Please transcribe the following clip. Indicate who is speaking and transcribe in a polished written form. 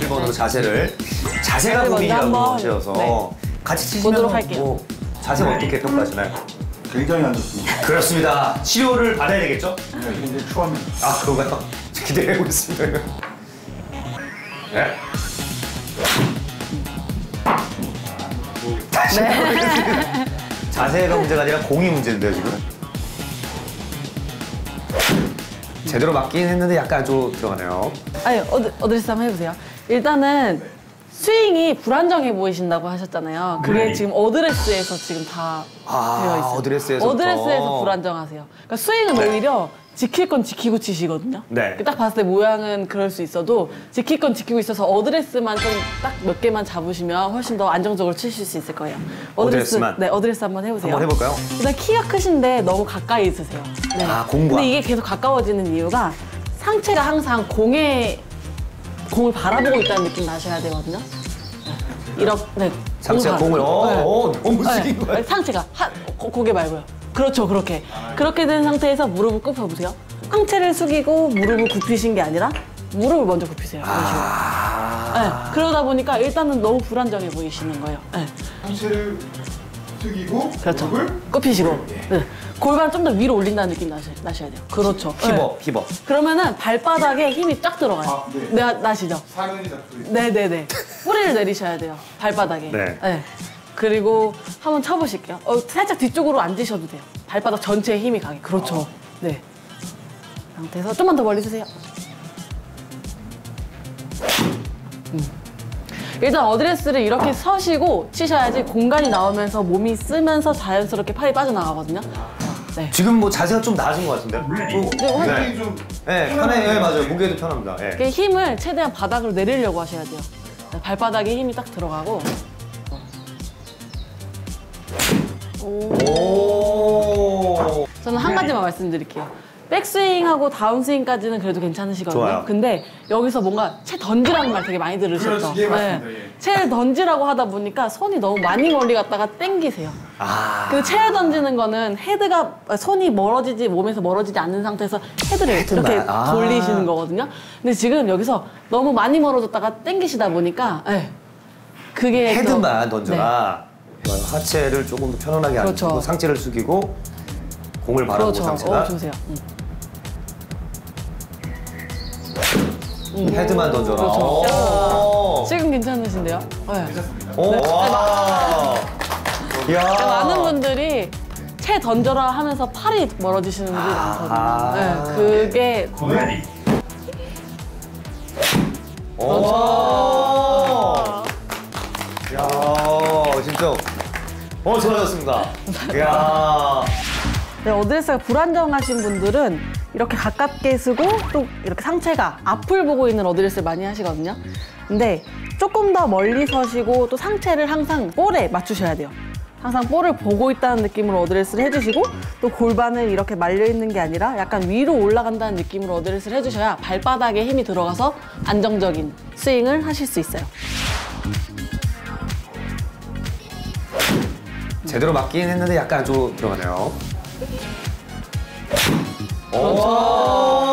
Speaker 1: 7번으로 자세를. 자세가 고민이라고 하셔서
Speaker 2: 네.
Speaker 1: 같이 치시면
Speaker 2: 보도록 할게요.
Speaker 1: 뭐 자세가 어떻게 평가하시나요?
Speaker 3: 굉장히 안 좋습니다.
Speaker 1: 그렇습니다. 치료를 받아야 되겠죠?
Speaker 3: 네, 굉장히 추합니다.
Speaker 1: 아, 그런가요? 기대해보겠습니다. 네.
Speaker 2: 네.
Speaker 1: 자세가 문제가 아니라 공이 문제인데요, 지금. 제대로 맞긴 했는데 약간 좀 들어가네요.
Speaker 2: 아니, 어드레스 한번 해보세요. 일단은 스윙이 불안정해 보이신다고 하셨잖아요. 그게
Speaker 1: 네.
Speaker 2: 지금 어드레스에서 지금 다 되어 있어요.
Speaker 1: 어드레스에서부터.
Speaker 2: 어드레스에서 불안정하세요. 그러니까 스윙은
Speaker 1: 네.
Speaker 2: 오히려 지킬 건 지키고 치시거든요.
Speaker 1: 네.
Speaker 2: 딱 봤을 때 모양은 그럴 수 있어도 지킬 건 지키고 있어서 어드레스만 좀 딱 몇 개만 잡으시면 훨씬 더 안정적으로 치실 수 있을 거예요.
Speaker 1: 어드레스만?
Speaker 2: 네, 어드레스 한번 해보세요.
Speaker 1: 한번 해볼까요?
Speaker 2: 일단 키가 크신데 너무 가까이 있으세요. 네.
Speaker 1: 아, 공과.
Speaker 2: 근데 이게 계속 가까워지는 이유가 상체가 항상 공을 바라보고 있다는 느낌 나셔야 되거든요. 이렇게 네,
Speaker 1: 상체가 공을 너무 숙인
Speaker 2: 네.
Speaker 1: 거예요.
Speaker 2: 상체가 고개 말고요. 그렇죠, 그렇게 된 상태에서 무릎을 굽혀보세요. 상체를 숙이고 무릎을 굽히신 게 아니라 무릎을 먼저 굽히세요. 그런 식으로. 네, 그러다 보니까 일단은 너무 불안정해 보이시는 거예요. 네.
Speaker 3: 상체를 숙이고
Speaker 2: 그렇죠.
Speaker 3: 무릎을
Speaker 2: 굽히시고 네. 골반 좀 더 위로 올린다는 느낌 나셔야 돼요. 그렇죠.
Speaker 1: 힙업, 힙업.
Speaker 2: 그러면은 발바닥에 힘이 쫙 들어가요.
Speaker 3: 아, 네.
Speaker 2: 나시죠?
Speaker 3: 사근이 잡혀 있고
Speaker 2: 네네네. 뿌리를 내리셔야 돼요. 발바닥에.
Speaker 1: 네.
Speaker 2: 그리고 한번 쳐보실게요. 살짝 뒤쪽으로 앉으셔도 돼요. 발바닥 전체에 힘이 가게. 그렇죠. 네. 상태에서 좀만 더 멀리 주세요. 일단 어드레스를 이렇게 서시고 치셔야지 공간이 나오면서 몸이 쓰면서 자연스럽게 팔이 빠져나가거든요. 네.
Speaker 1: 지금 뭐 자세가 좀 나아진 것 같은데요?
Speaker 3: 굉장히 좀
Speaker 1: 네, 편해. 네, 맞아요. 무게도 편합니다. 네.
Speaker 2: 그 힘을 최대한 바닥으로 내리려고 하셔야 돼요. 네, 발바닥에 힘이 딱 들어가고.
Speaker 1: 오.
Speaker 2: 저는 한 가지만 말씀드릴게요. 백스윙하고 다운스윙까지는 그래도 괜찮으시거든요.
Speaker 1: 좋아요.
Speaker 2: 근데 여기서 뭔가 채 던지라는 말 되게 많이 들으셨죠?
Speaker 3: 그렇지, 예, 맞습니다. 예.
Speaker 2: 채를 던지라고 하다 보니까 손이 너무 많이 멀리 갔다가 땡기세요. 근데 채를 던지는 거는 헤드가 손이 멀어지지 몸에서 멀어지지 않는 상태에서 헤드를
Speaker 1: 헤드만.
Speaker 2: 이렇게 돌리시는 거거든요. 근데 지금 여기서 너무 많이 멀어졌다가 땡기시다 보니까 그게
Speaker 1: 헤드만
Speaker 2: 또-
Speaker 1: 던져라. 하체를 조금 더 편안하게
Speaker 2: 그렇죠.
Speaker 1: 앉히고 상체를 숙이고 공을 바라보고
Speaker 2: 그렇죠.
Speaker 1: 상체가
Speaker 2: 좋으세요.
Speaker 1: 헤드만 던져라.
Speaker 2: 그렇죠.
Speaker 1: 오.
Speaker 2: 지금 괜찮으신데요? 네.
Speaker 1: 오. 와. 이야.
Speaker 2: 많은 분들이 채 던져라 하면서 팔이 멀어지시는 분들이 많거든요. 네, 그게
Speaker 1: 오. 이야, 진짜. 좋아졌습니다. 이야.
Speaker 2: 네, 어드레스가 불안정하신 분들은 이렇게 가깝게 쓰고 또 이렇게 상체가 앞을 보고 있는 어드레스를 많이 하시거든요. 근데 조금 더 멀리 서시고 또 상체를 항상 볼에 맞추셔야 돼요. 항상 볼을 보고 있다는 느낌으로 어드레스를 해주시고 또 골반을 이렇게 말려있는 게 아니라 약간 위로 올라간다는 느낌으로 어드레스를 해주셔야 발바닥에 힘이 들어가서 안정적인 스윙을 하실 수 있어요.
Speaker 1: 제대로 맞긴 했는데 약간 좀 들어가네요.
Speaker 2: 그렇죠.